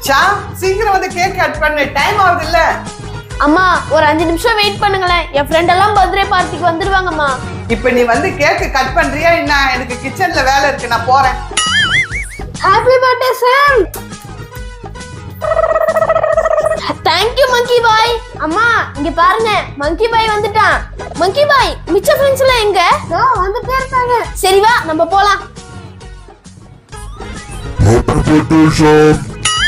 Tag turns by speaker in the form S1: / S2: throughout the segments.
S1: ஷாம் சீக்கிரம் வந்து cake cut பண்ணு, டைம் ஆகுது இல்ல?
S2: அம்மா ஒரு 5 நிமிஷம் வெயிட் பண்ணுங்களேன், என் ஃப்ரெண்ட் எல்லாம் பர்த்டே பார்ட்டிக்கு வந்துருவாங்கம்மா.
S1: இப்ப நீ வந்து கேக் கட் பண்றியா என்ன? எனக்கு கிச்சன்ல வேலை இருக்கு, நான் போறேன்.
S2: Happy birthday Sam. Thank you monkey boy. அம்மா இங்க பாருங்க, மங்கி பாய் வந்துட்டான். மங்கி பாய் மிச்ச ஃப்ரெண்ட்ஸ் எல்லாம் எங்க? வந்துட்டே இருக்காங்க. சரி வா நம்ம போலாம்.
S3: Happy birthday, Sham.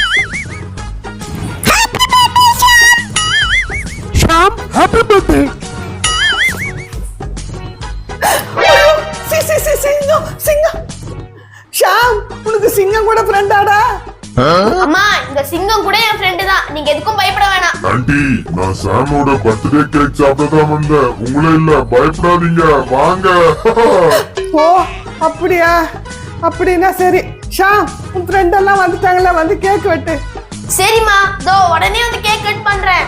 S3: Sham, happy birthday.
S1: சிங்கம் சிங்கம். ஷாம் உனக்கு சிங்கம் கூட ஃப்ரெண்டாடா?
S2: அம்மா இந்த சிங்கம் கூட என் ஃப்ரெண்ட் தான், நீங்க எதுக்கும் பயப்பட வேணாம்.
S3: ஆண்டி, நான் சாமோட பர்த்டே கேக் சாப்பிடதான் வந்தேன், உங்களே இல்ல, பயப்படாதீங்க, வாங்க.
S1: ஓ அப்படியா? அப்படின்னா சரி. ஷாம் உன் ஃப்ரெண்ட் எல்லாம் வந்துட்டாங்களா, வந்து கேக் வெட்டு.
S2: சரிம்மா, தோ உடனே வந்து கேக் கட் பண்றேன்.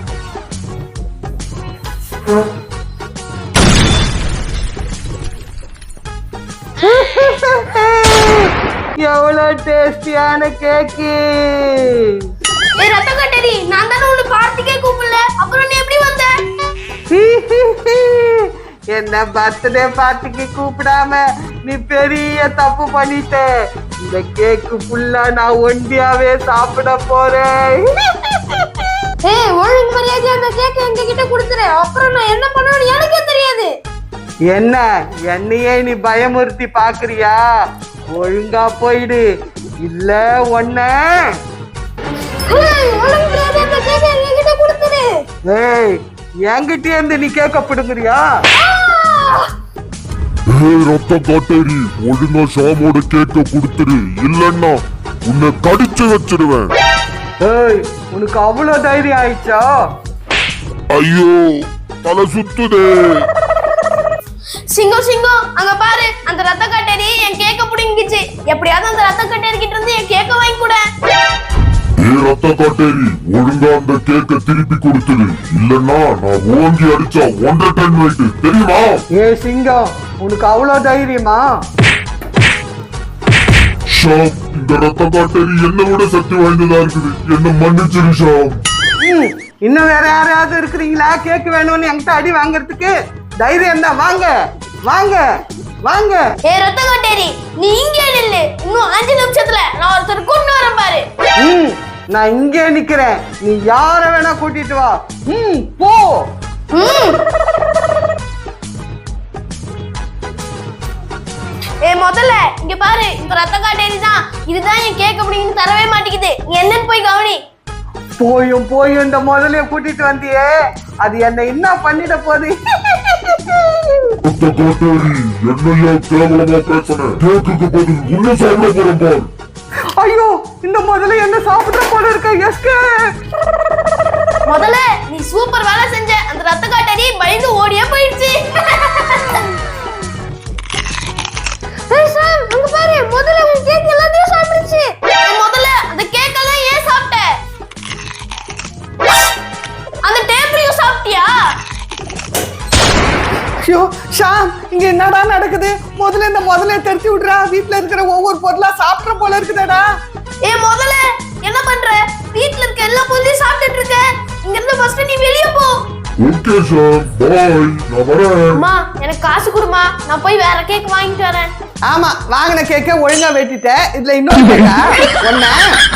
S1: எவ்வளவு டேஸ்டியான கேக்கு.
S2: ஏய் ரத்த கட்டரி, நான் தான உன்னை பார்ட்டிக்கே கூப்பிடல, அப்புறம் நீ எப்படி வந்த?
S1: என்ன பர்த்டே பார்ட்டிக்கு கூப்பிடாம நீ பெரிய தப்பு பண்ணிட்ட. இந்த கேக்கு ஃபுல்லா நான் ஒண்டியாவே சாப்பிட போறேன்.
S2: ஏய் ஒழுங்கு மரியாதையா அந்த கேக் எங்க கிட்ட கொடுத்துரு, அப்புறம் நான் என்ன பண்ணுவேன்னு எனக்கே தெரியாது.
S1: என்ன என்னையே நீ பயமுறுத்தி பாக்குறியா? ஒழுங்கா போயிடு, இல்ல ஒன்ன.
S2: ஏய் ஒழுங்கு மரியாதையா அந்த கேக் எங்க கிட்ட கொடுத்துரு.
S1: ஏய் என்கிட்ட இருந்து நீ கேக்க பிடுங்குறியா?
S3: ஏய் ரத்த காட்டேரி, ஒழுங்கா ஷாமோட கேக்க கொடுத்துரு, இல்லன்னா உன்னை கடிச்சு வச்சிடுவேன்.
S1: ஏய் உனக்கு அவ்வளவு தைரியம் ஆயிடுச்சா?
S3: ஐயோ தலை சுத்துதே.
S2: சிங்கம் சிங்கம் அங்க பாரு, அந்த ரத்த கட்டேரி என் கேக்க புடிங்கிச்சு. எப்படியாவது அந்த ரத்த கட்டேரி கிட்ட இருந்து என் கேக்க வாங்கி கொடு.
S3: ஏய் ரத்த காட்டேரி, ஒழுங்கா அந்த கேக்க திருப்பி கொடுத்துரு, இல்லன்னா நான் ஓங்கி அடிச்சா 1.5 டன் வெயிட், தெரியுமா?
S1: ஏய் சிங்கம் உனக்கு அவ்வளவு தைரியமா?
S3: ஷாம், இந்த ரத்த காட்டேரி என்னை விட சக்தி வாய்ந்ததா இருக்குது, என்ன மன்னிச்சிரு ஷாம்.
S1: இன்னும் வேற யாரையாவது இருக்கிறீங்களா கேக் வேணும்னு என்கிட்ட அடி வாங்குறதுக்கு? தைரியம் தான், வாங்க வாங்க வாங்க.
S2: ஏ ரத்த கட்டேரி, நீ இங்கே நில்லு, இன்னும் 5 நிமிஷத்துல நான் ஒருத்தர் கொண்டு வரேன் பாரு.
S1: நான் இங்கே நிக்கிறேன், நீ யார வேணா கூட்டிட்டு வா. போ.
S2: ஏ முதல்ல இங்க பாரு, இந்த ரத்த காட்டேரி தான், இதுதான் என் கேக் அப்படின்னு தரவே மாட்டேங்குது, நீ என்னன்னு போய் கவனி.
S1: போயும் இந்த முதலைய கூட்டிட்டு வந்தியே, அது என்ன என்ன பண்ணிட போகுது?
S3: ரத்த காட்டேரி, என்னையா கேவலமா பேசுன? கேக்குக்கு பதில் உன்னை சாப்பிட போறேன் பார்.
S1: ஐயோ இந்த முதல்ல என்ன சாப்பிட போல இருக்க. எஸ்கே
S2: முதல்ல நீ சூப்பர் வேலை செஞ்ச, அந்த ரத்த காட்டேரி பயந்து ஓடியே போயிடுச்சு. ஏய் சாம் அங்க பாரு, முதல்ல உன் கேக் எல்லாத்தையும் சாப்பிடுச்சு. முதல்ல அந்த கேக் எல்லாம் ஏன் சாப்பிட்ட? அந்த டேபிளையும் சாப்பிட்டியா?
S1: ஐயோ ஷாம் இங்க என்னடா நடக்குது? முதல்ல இந்த முதல்ல தெரிச்சு விடுறா, வீட்டுல இருக்கிற ஒவ்வொரு பொருளா சாப்பிட்ற போல இருக்குதாடா.
S2: ஏ முதல்ல என்ன பண்ற? வீட்ல இருக்க எல்லா பொருளையும் சாப்பிட்டுட்டு இருக்க, இங்க இருந்து ஃபர்ஸ்ட் நீ வெளிய போ.
S3: ஓகே ஷாம், பை, நான் வரேன்.
S2: அம்மா எனக்கு காசு கொடுமா, நான் போய் வேற கேக் வாங்கிட்டு வரேன்.
S1: ஆமா வாங்கின கேக்க ஒழுங்கா வெட்டிட்ட, இதுல இன்னொரு கேக்கா? ஒண்ணு